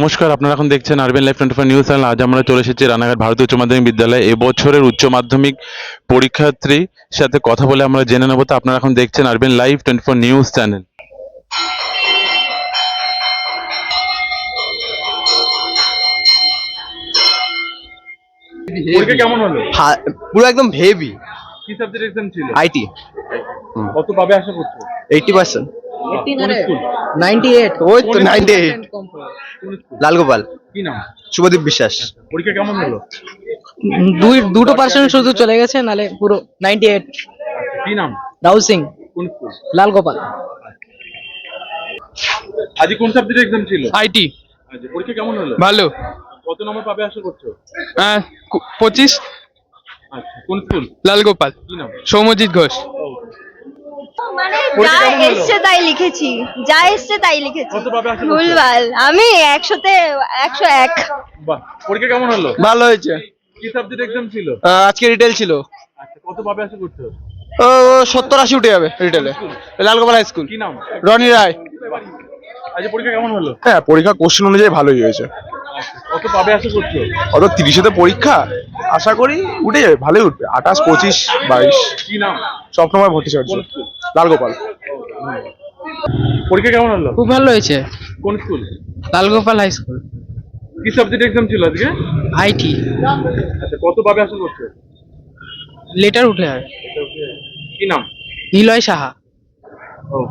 নমস্কার, আপনারা এখন দেখছেন আরবিএন লাইভ 24 নিউজ চ্যানেল। আজ আমরা চলে এসেছি রানাঘাট ভারতীয় উচ্চ মাধ্যমিক বিদ্যালয়ে এবছরের উচ্চ মাধ্যমিক পরীক্ষার্থীর সাথে কথা বলে আমরা জেনে নেব। তো আপনারা এখন দেখছেন আরবিএন লাইভ 24 নিউজ চ্যানেল। পরীক্ষা কেমন হলো? পুরো একদম হেভি। কি সাবজেক্ট এক্সাম ছিল? আইটি। কত পাবে আশা করছো? 80%। কোন স্কুল? 98। ওই তো 98। কোন স্কুল? লালগোপাল। কি নাম? শুভদীপ বিশ্বাস। পরীক্ষা কেমন হলো? দুটো পার্সেন্ট শুধু চলে গেছে, নালে পুরো 98। কি নাম? রাহুল সিং। কোন স্কুল? লাল গোপাল। আজ কোন সাবজেক্ট এক্সাম ছিল? আইটি। আচ্ছা, পরীক্ষা কেমন হলো? ভালো। কত নম্বর পাবে আশা করছো? 25। আচ্ছা, কোন স্কুল? লাল গোপাল। কি নাম? সৌম্যজিৎ ঘোষ। মানে পরীক্ষা যা কেমন হলো? এসছে তাই লিখেছি, যা এসছে তাই লিখেছি। কত পাবে আশা করছো? ভুলভাল। আমি 100-তে 101। বাহ, পরীক্ষা কেমন হলো? ভালো হয়েছে। কি সাবজেক্ট এক্সাম ছিল? আজকে রিটেল ছিল। আচ্ছা, কত পাবে আশা করছো? 70-80 উঠে যাবে রিটেলে। Lalgopal high school. কি নাম? রনি রায়। আজ পরীক্ষা কেমন হলো? হ্যাঁ, পরীক্ষা কোশ্চেন অনুযায়ী ভালোই হয়েছে। কত পাবে আশা করছো? অত 30-এতে পরীক্ষা, আশা করি উঠে যাবে, ভালোই উঠবে। 28, 25, 22। কি নাম? স্বপ্নময় ভট্টাচার্য। কোন স্কুল? লালগোপাল। পরীক্ষা কেমন হলো? খুব ভালো হয়েছে। কোন school? Lal Gopal high school. কি সাবজেক্ট এক্সাম ছিল আজকে? আইটি। আচ্ছা, কত পাবে আশা করছো? লেটার উঠে আর কি নাম? নিলয় সাহা। ও,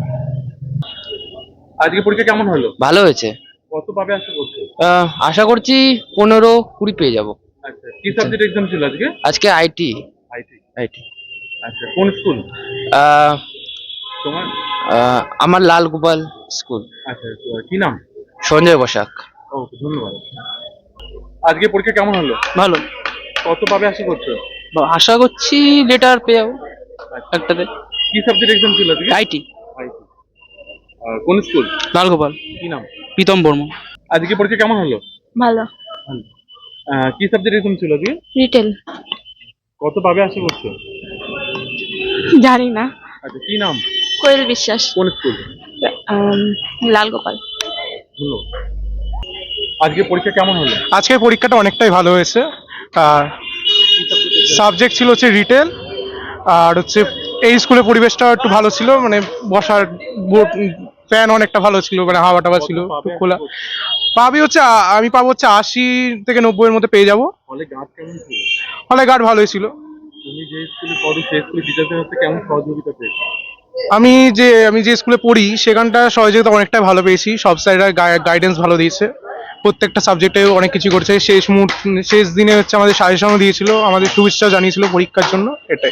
আজকে পরীক্ষা কেমন হলো? ভালো হয়েছে। কত পাবে আশা করছো? আশা করছি 15-20 পেয়ে যাব। আচ্ছা, কি সাবজেক্ট এক্সাম ছিল আজকে? আজকে আইটি। আইটি। আইটি। আচ্ছা, কোন স্কুল তোমার? আমার লাল গোপাল স্কুল। আচ্ছা, কি নাম? সঞ্জয় বসাক। ওকে, ধন্যবাদ। আজকে পরীক্ষা কেমন হলো? ভালো। কত পাবে আশা করছো? আশা করছি লেটার পেয়ে যাবো আচ্ছা, একটাতে। কি সাবজেক্ট এক্সাম ছিল আজকে? আইটি। আইটি। কোন স্কুল? লাল গোপাল। কি নাম? প্রীতম বর্মা। আজকে পরীক্ষা কেমন হলো? ভালো। ভালো। কি সাবজেক্ট এক্সাম ছিল আজকে? রিটেল। কত পাবে আশা করছো? জানি না। আচ্ছা, কি নাম? কোয়েল বিশ্বাস। কোন স্কুল? লাল গোপাল। ধন্যবাদ। আজকে পরীক্ষা কেমন হলো? আজকে পরীক্ষাটা অনেকটাই ভালো হয়েছে। কি সাবজেক্ট? সাবজেক্ট ছিল হচ্ছে রিটেল, আর হচ্ছে এই স্কুলের পরিবেশটা একটু ভালো ছিল, মানে বসার ফ্যান অনেকটা ভালো ছিল, মানে হাওয়া টাওয়া ছিল একটু খোলা। পাবি হচ্ছে আমি পাবো হচ্ছে 80-90 এর মধ্যে পেয়ে যাবো। হলে গার্ড কেমন ছিল? হলে গার্ড ভালোই ছিল। তুমি যে স্কুলে পড়ো সেই স্কুলে টিচারদের হাতে কেমন সহযোগিতা পেয়েছো? আমি যে স্কুলে পড়ি সেখানটা সহযোগিতা অনেকটাই ভালো পেয়েছি। সব স্যাররা গাইডেন্স ভালো দিয়েছে, প্রত্যেকটা সাবজেক্টে অনেক কিছু করছে। শেষ দিনে হচ্ছে আমাদের সাজেশনও দিয়েছিল, আমাদের শুভেচ্ছা জানিয়েছিল পরীক্ষার জন্য, এটাই।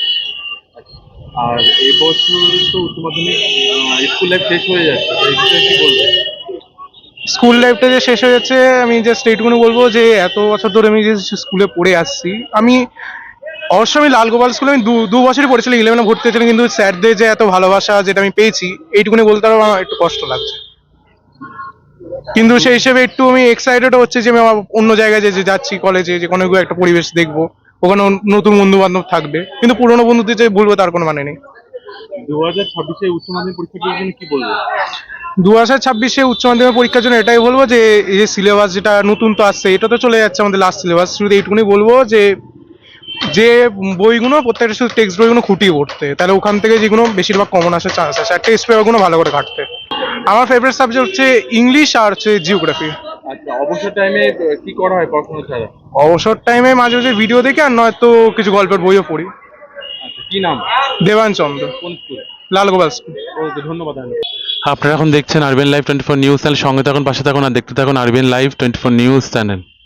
আর এবছর তো উচ্চ মাধ্যমিক স্কুল লাইফ শেষ হয়ে যাচ্ছে, এই বিষয়ে কি বলবো? স্কুল লাইফটা যে শেষ হয়ে যাচ্ছে, আমি জাস্ট এইটুকুনি বলবো যে এত বছর ধরে আমি যে স্কুলে পড়ে আসছি, অবশ্যই আমি লালগোপাল স্কুলে আমি দু বছরই পড়েছিলাম, 11-এ ভর্তি হয়েছিলাম, কিন্তু স্যারদের যে এত ভালোবাসা যেটা আমি পেয়েছি, এইটুকুনি বলতে পারবো আমার একটু কষ্ট লাগছে। কিন্তু সেই হিসেবে একটু আমি এক্সাইটেড হচ্ছে যে আমি আমার অন্য জায়গায় যে যাচ্ছি কলেজে, যে কোনো একটা পরিবেশ দেখবো, ওখানে নতুন বন্ধু বান্ধব থাকবে, কিন্তু পুরোনো বন্ধুদের যে ভুলবো তার কোনো মানে নেই। 2026-এ উচ্চ মাধ্যমিক পরীক্ষার জন্য কি বলবো? 2026-এ উচ্চ মাধ্যমিক পরীক্ষার জন্য এটাই বলবো যে এই যে সিলেবাস যেটা নতুন তো আসছে, এটা তো চলে যাচ্ছে আমাদের লাস্ট সিলেবাস। শুধু এইটুকুনি বলবো যে বইগুলো প্রত্যেকটা শুধু টেক্সট বইগুলো খুঁটিয়ে পড়তে, তাহলে ওখান থেকে যেগুলো বেশিরভাগ কমন আসার চান্স আছে। আর টেস্ট পেপারগুলো ভালো করে ঘাঁটতে। আমার ফেভারিট সাবজেক্ট হচ্ছে ইংলিশ আর হচ্ছে জিওগ্রাফি। আচ্ছা, অবসর টাইমে কি করা হয় পড়াশোনা ছাড়া? অবসর টাইমে মাঝে মাঝে ভিডিও দেখি, আর নয়তো কিছু গল্পের বইও পড়ি। আচ্ছা, কি নাম? দেবান চন্দ্র। কোন স্কুল? লালগোপাল স্কুল। ওকে, ধন্যবাদ। আপনারা এখন দেখছেন আরবিএন লাইভ 24 নিউজ চ্যানেল। সঙ্গে থাকুন, পাশে থাকুন আর দেখতে থাকুন আরবিএন লাইভ 24 নিউজ চ্যানেল।